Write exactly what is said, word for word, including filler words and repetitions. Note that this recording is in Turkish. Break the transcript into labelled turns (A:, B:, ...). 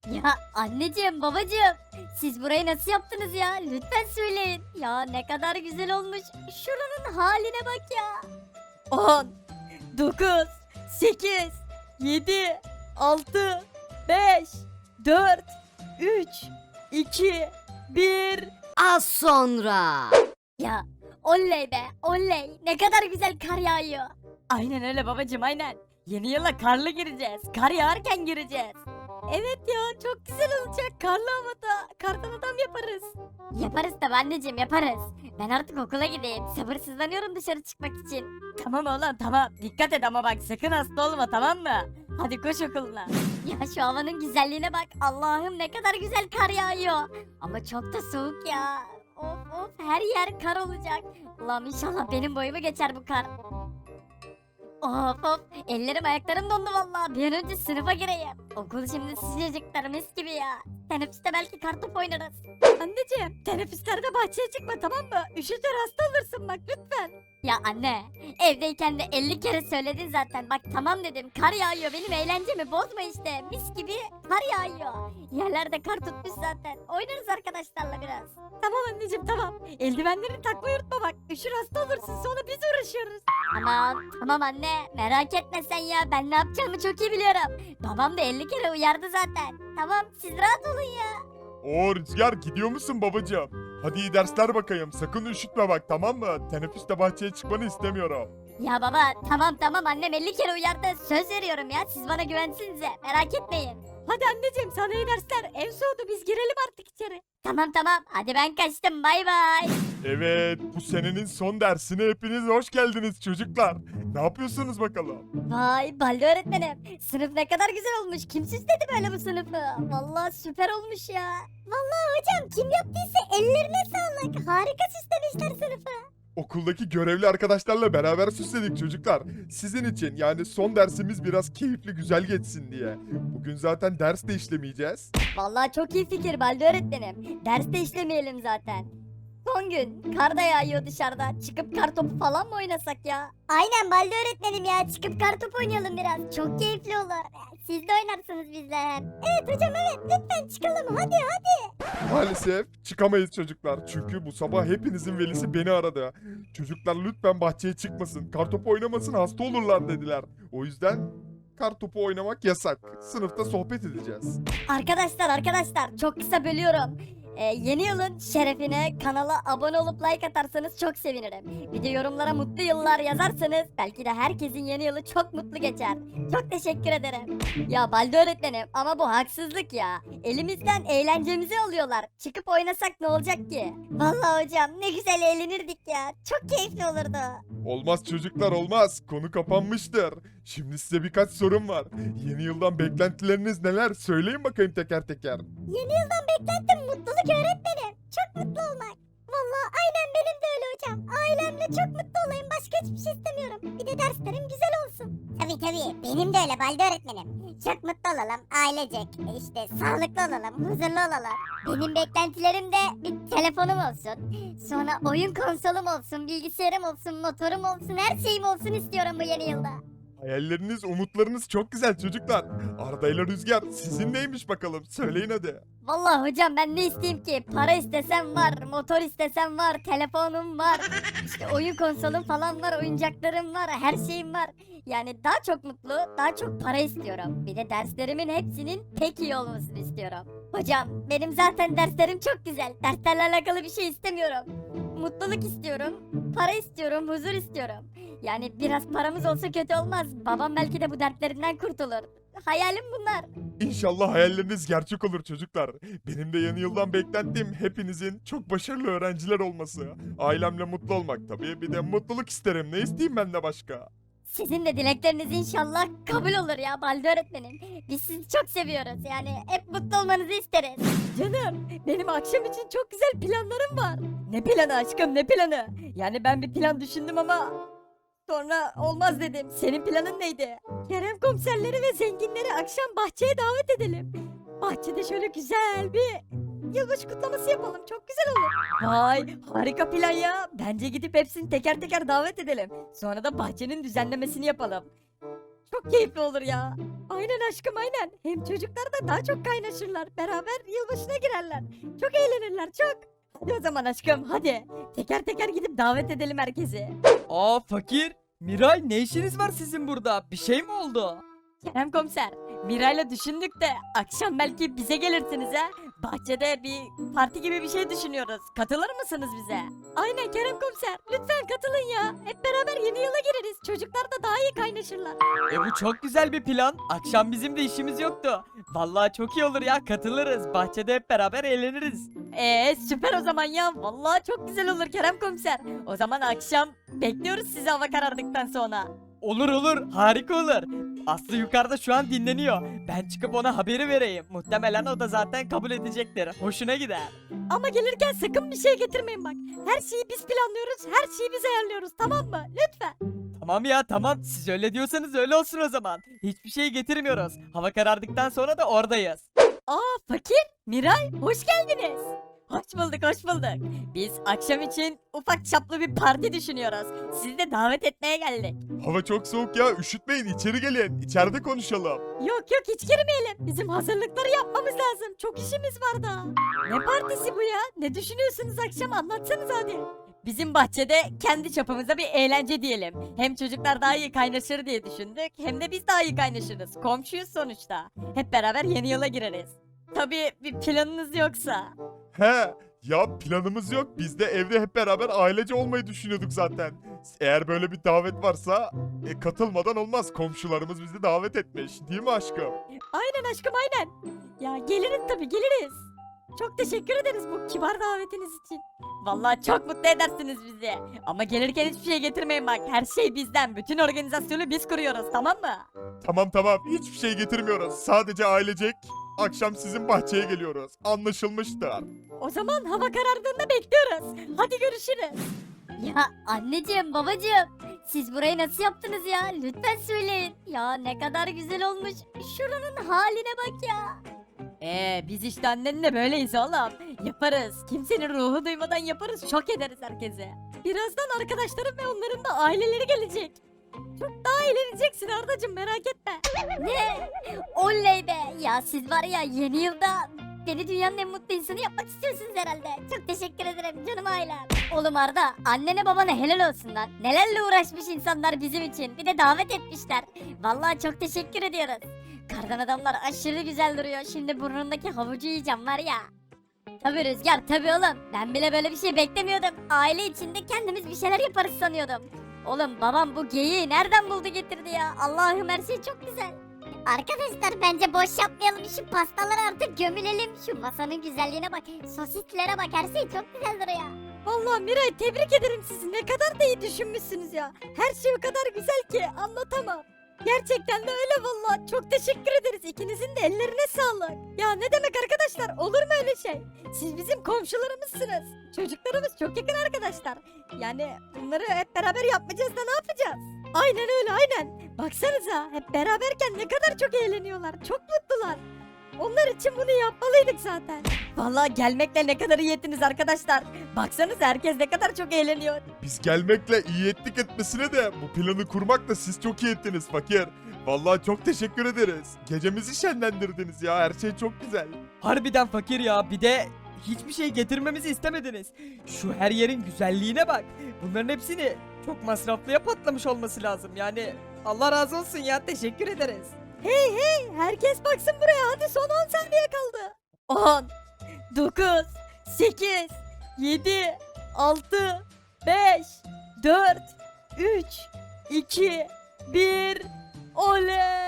A: Ya anneciğim, babacığım, siz burayı nasıl yaptınız ya? Lütfen söyleyin. Ya ne kadar güzel olmuş. Şuranın haline bak ya.
B: on, dokuz, sekiz, yedi, altı, beş, dört, üç, iki, bir.
C: Az sonra.
A: Ya oley be, oley. Ne kadar güzel kar yağıyor.
B: Aynen öyle babacım, aynen. Yeni yıla karlı gireceğiz. Kar yağarken gireceğiz. Evet ya, çok güzel olacak. Karlı havada. Kardan adam yaparız.
A: Yaparız tabii anneciğim, yaparız. Ben artık okula gideyim. Sabırsızlanıyorum dışarı çıkmak için.
B: Tamam oğlum, tamam. Dikkat et ama bak, sakın hasta olma, tamam mı? Hadi koş okuluna.
A: Ya şu havanın güzelliğine bak. Allah'ım ne kadar güzel kar yağıyor. Ama çok da soğuk ya. Of of, her yer kar olacak. Allah'ım inşallah benim boyumu geçer bu kar. Of of, ellerim ayaklarım dondu vallahi. Bir an önce sınıfa gireyim. Okul şimdi sıcacıklar, mis gibi ya. Teneffüste belki kartopu oynarız.
B: Anneciğim, teneffüslerde bahçeye çıkma, tamam mı? Üşütür, hasta olursun bak, lütfen.
A: Ya anne, evdeyken de elli kere söyledin zaten. Bak tamam dedim, kar yağıyor, benim eğlencemi bozma işte. Mis gibi kar yağıyor. Yerlerde kar tutmuş zaten. Oynarız arkadaşlarla biraz.
B: Tamam anneciğim, tamam. Eldivenlerini takmayı unutma bak. Üşür, hasta olursun, sonra biz uğraşıyoruz.
A: Tamam tamam anne, merak etme sen ya, ben ne yapacağımı çok iyi biliyorum. Babam da elli kere uyardı zaten. Tamam, siz rahat olun ya.
D: Oo Rüzgar, gidiyor musun babacığım? Hadi iyi dersler bakayım. Sakın üşütme bak, tamam mı? Teneffüste bahçeye çıkmanı istemiyorum.
A: Ya baba, tamam tamam, annem elli kere uyardı. Söz veriyorum ya, siz bana güvensinize, merak etmeyin.
B: Hadi anneciğim, sana iyi dersler. Ev soğudu, biz girelim artık içeri.
A: Tamam tamam, hadi ben kaçtım, bay bay.
D: Evet, bu senenin son dersine hepiniz hoş geldiniz çocuklar. Ne yapıyorsunuz bakalım?
A: Vay Baldi öğretmenim, sınıf ne kadar güzel olmuş. Kim süsledi böyle bu sınıfı? Vallahi süper olmuş ya. Vallahi hocam, kim yaptıysa ellerine sağlık. Harika süslemişler sınıfı.
D: Okuldaki görevli arkadaşlarla beraber süsledik çocuklar. Sizin için, yani son dersimiz biraz keyifli güzel geçsin diye. Bugün zaten ders de işlemeyeceğiz.
A: Vallahi çok iyi fikir Baldi öğretmenim. Ders de işlemeyelim zaten. Son gün kar da yağıyor dışarıda. Çıkıp kar topu falan mı oynasak ya? Aynen Baldi öğretmenim ya. Çıkıp kar topu oynayalım biraz. Çok keyifli olur. Siz de oynarsınız bizle hem. Evet hocam, evet. Lütfen çıkalım. Hadi hadi.
D: Maalesef çıkamayız çocuklar. Çünkü bu sabah hepinizin velisi beni aradı. Çocuklar lütfen bahçeye çıkmasın, kartopu oynamasın, hasta olurlar dediler. O yüzden kartopu oynamak yasak. Sınıfta sohbet edeceğiz.
A: Arkadaşlar arkadaşlar, çok kısa bölüyorum. Ee, yeni yılın şerefine kanala abone olup like atarsanız çok sevinirim. Bir de yorumlara mutlu yıllar yazarsanız belki de herkesin yeni yılı çok mutlu geçer. Çok teşekkür ederim. Ya Baldi öğretmenim, ama bu haksızlık ya. Elimizden eğlencemizi alıyorlar. Çıkıp oynasak ne olacak ki? Vallahi hocam, ne güzel eğlenirdik ya. Çok keyifli olurdu.
D: Olmaz çocuklar, olmaz. Konu kapanmıştır. Şimdi size birkaç sorum var. Yeni yıldan beklentileriniz neler? Söyleyin bakayım teker teker.
A: Yeni yıldan beklentim mutluluk öğretmenim. Çok mutlu olmak. Vallahi aynen benim de öyle hocam. Ailemle çok mutlu olayım. Başka hiçbir şey istemiyorum. Bir de derslerim güzel olsun. Tabii tabii. Benim de öyle Baldi öğretmenim. Çok mutlu olalım. Ailecek. işte sağlıklı olalım. Huzurlu olalım. Benim beklentilerim de bir telefonum olsun. Sonra oyun konsolum olsun. Bilgisayarım olsun. Motorum olsun. Her şeyim olsun istiyorum bu yeni yılda.
D: Hayalleriniz, umutlarınız çok güzel çocuklar. Arda ile Rüzgar sizin neymiş bakalım? Söyleyin hadi.
A: Vallahi hocam, ben ne isteyeyim ki? Para istesem var, motor istesem var, telefonum var, işte oyun konsolum falan var, oyuncaklarım var, her şeyim var. Yani daha çok mutlu, daha çok para istiyorum. Bir de derslerimin hepsinin pek iyi olmasını istiyorum. Hocam, benim zaten derslerim çok güzel. Derslerle alakalı bir şey istemiyorum. Mutluluk istiyorum, para istiyorum, huzur istiyorum. Yani biraz paramız olsa kötü olmaz. Babam belki de bu dertlerinden kurtulur. Hayalim bunlar.
D: İnşallah hayalleriniz gerçek olur çocuklar. Benim de yeni yıldan beklentim hepinizin çok başarılı öğrenciler olması. Ailemle mutlu olmak tabii. Bir de mutluluk isterim. Ne isteyeyim ben de başka?
A: Sizin de dilekleriniz inşallah kabul olur ya Baldi öğretmenim. Biz sizi çok seviyoruz. Yani hep mutlu olmanızı isteriz.
B: Canım, benim akşam için çok güzel planlarım var. Ne planı aşkım, ne planı? Yani ben bir plan düşündüm ama sonra olmaz dedim. Senin planın neydi? Kerem komiserleri ve zenginleri akşam bahçeye davet edelim. Bahçede şöyle güzel bir yılbaşı kutlaması yapalım. Çok güzel olur. Vay, harika plan ya. Bence gidip hepsini teker teker davet edelim. Sonra da bahçenin düzenlemesini yapalım. çok keyifli olur ya. Aynen aşkım aynen. Hem çocuklar da daha çok kaynaşırlar. Beraber yılbaşına girerler. Çok eğlenirler çok. Hadi o zaman aşkım hadi. Teker teker gidip davet edelim herkesi.
E: Aa fakir. Miray ne işiniz var sizin burada? Bir şey mi oldu?
B: Kerem komiser, Miray'la düşündük de akşam belki bize gelirsiniz ha. Bahçede bir parti gibi bir şey düşünüyoruz. Katılır mısınız bize? Aynen Kerem komiser. Lütfen katılın ya. Hep beraber yeni yıla gireriz. Çocuklar da daha iyi kaynaşırlar.
E: E bu çok güzel bir plan. Akşam bizim de işimiz yoktu. Vallahi çok iyi olur ya, katılırız. Bahçede hep beraber eğleniriz.
B: Eee süper o zaman ya. Vallahi çok güzel olur Kerem komiser. O zaman akşam bekliyoruz sizi hava karardıktan sonra.
E: Olur olur, harika olur. Aslı yukarıda şu an dinleniyor. Ben çıkıp ona haberi vereyim. Muhtemelen o da zaten kabul edecektir. Hoşuna gider.
B: Ama gelirken sakın bir şey getirmeyin bak. Her şeyi biz planlıyoruz. Her şeyi biz ayarlıyoruz tamam mı? Lütfen.
E: Tamam ya tamam, siz öyle diyorsanız öyle olsun o zaman. Hiçbir şey getirmiyoruz. Hava karardıktan sonra da oradayız.
B: Aa Fakir, Miray hoş geldiniz. Hoş bulduk, hoş bulduk. Biz akşam için ufak çaplı bir parti düşünüyoruz. Sizi de davet etmeye geldik.
D: Hava çok soğuk ya, üşütmeyin, içeri gelin. İçeride konuşalım.
B: Yok yok hiç girmeyelim. Bizim hazırlıkları yapmamız lazım. Çok işimiz var daha. Ne partisi bu ya? Ne düşünüyorsunuz akşam anlatsanız hadi. Bizim bahçede kendi çapımızda bir eğlence diyelim. Hem çocuklar daha iyi kaynaşır diye düşündük. Hem de biz daha iyi kaynaşırız. Komşuyuz sonuçta. Hep beraber yeni yıla gireriz. Tabii bir planınız yoksa.
D: He, ya planımız yok. Biz de evde hep beraber ailece olmayı düşünüyorduk zaten. Eğer böyle bir davet varsa e, katılmadan olmaz. Komşularımız bizi davet etmiş. Değil mi aşkım?
B: Aynen aşkım aynen. Ya geliriz tabii geliriz. Çok teşekkür ederiz bu kibar davetiniz için. Vallahi çok mutlu edersiniz bizi. Ama gelirken hiçbir şey getirmeyin bak. Her şey bizden. Bütün organizasyonu biz kuruyoruz tamam mı?
D: Tamam tamam, hiçbir şey getirmiyoruz. Sadece ailecek akşam sizin bahçeye geliyoruz. Anlaşılmıştır.
B: O zaman hava karardığında bekliyoruz. Hadi görüşürüz.
A: Ya anneciğim babacığım siz burayı nasıl yaptınız ya? Lütfen söyleyin. Ya ne kadar güzel olmuş. Şuranın haline bak ya.
B: Ee biz işte annenle böyleyiz oğlum. Yaparız. Kimsenin ruhu duymadan yaparız. Şok ederiz herkese. Birazdan arkadaşlarım ve onların da aileleri gelecek. Çok daha eğleneceksin Ardacığım merak etme.
A: Ne? Oley be. Ya siz var ya yeni yılda beni dünyanın en mutlu insanı yapmak istiyorsunuz herhalde. Çok teşekkür ederim canım ailem. Oğlum Arda annene babana helal olsun lan. Nelerle uğraşmış insanlar bizim için. Bir de davet etmişler. Vallahi çok teşekkür ediyoruz. Kardan adamlar aşırı güzel duruyor. Şimdi burnundaki havucu yiyeceğim var ya. Tabii Rüzgar tabii oğlum. Ben bile böyle bir şey beklemiyordum. Aile içinde kendimiz bir şeyler yaparız sanıyordum. Oğlum babam bu geyiği nereden buldu getirdi ya? Allah'ım her şey çok güzel. Arkadaşlar bence boş yapmayalım. Şu pastaları artık gömülelim. Şu masanın güzelliğine bak. Sosislere bak. Her şey çok güzel duruyor.
B: Vallahi Miray tebrik ederim sizi. Ne kadar da iyi düşünmüşsünüz ya. Her şey o kadar güzel ki anlatamam. Gerçekten de öyle vallahi. Çok teşekkür ederiz. İkinizin de ellerine sağlık. Ya ne demek arkadaşlar? Olur mu öyle şey? Siz bizim komşularımızsınız. Çocuklarımız çok yakın arkadaşlar. Yani bunları hep beraber yapmayacağız da ne yapacağız? Aynen öyle aynen. Baksanıza hep beraberken ne kadar çok eğleniyorlar. Çok mutlular. Onlar için bunu yapmalıydık zaten. Vallahi gelmekle ne kadar iyi ettiniz arkadaşlar. Baksanıza herkes ne kadar çok eğleniyor.
D: Biz gelmekle iyi ettik etmesine de bu planı kurmakla siz çok iyi ettiniz fakir. Vallahi çok teşekkür ederiz. Gecemizi şenlendirdiniz ya, her şey çok güzel.
E: Harbiden fakir ya, bir de hiçbir şey getirmemizi istemediniz. Şu her yerin güzelliğine bak. Bunların hepsini çok masraflıya patlamış olması lazım. Yani Allah razı olsun ya, teşekkür ederiz.
B: Hey hey herkes baksın buraya hadi son on saniye kaldı. on, dokuz, sekiz, yedi, altı, beş, dört, üç, iki, bir, oley!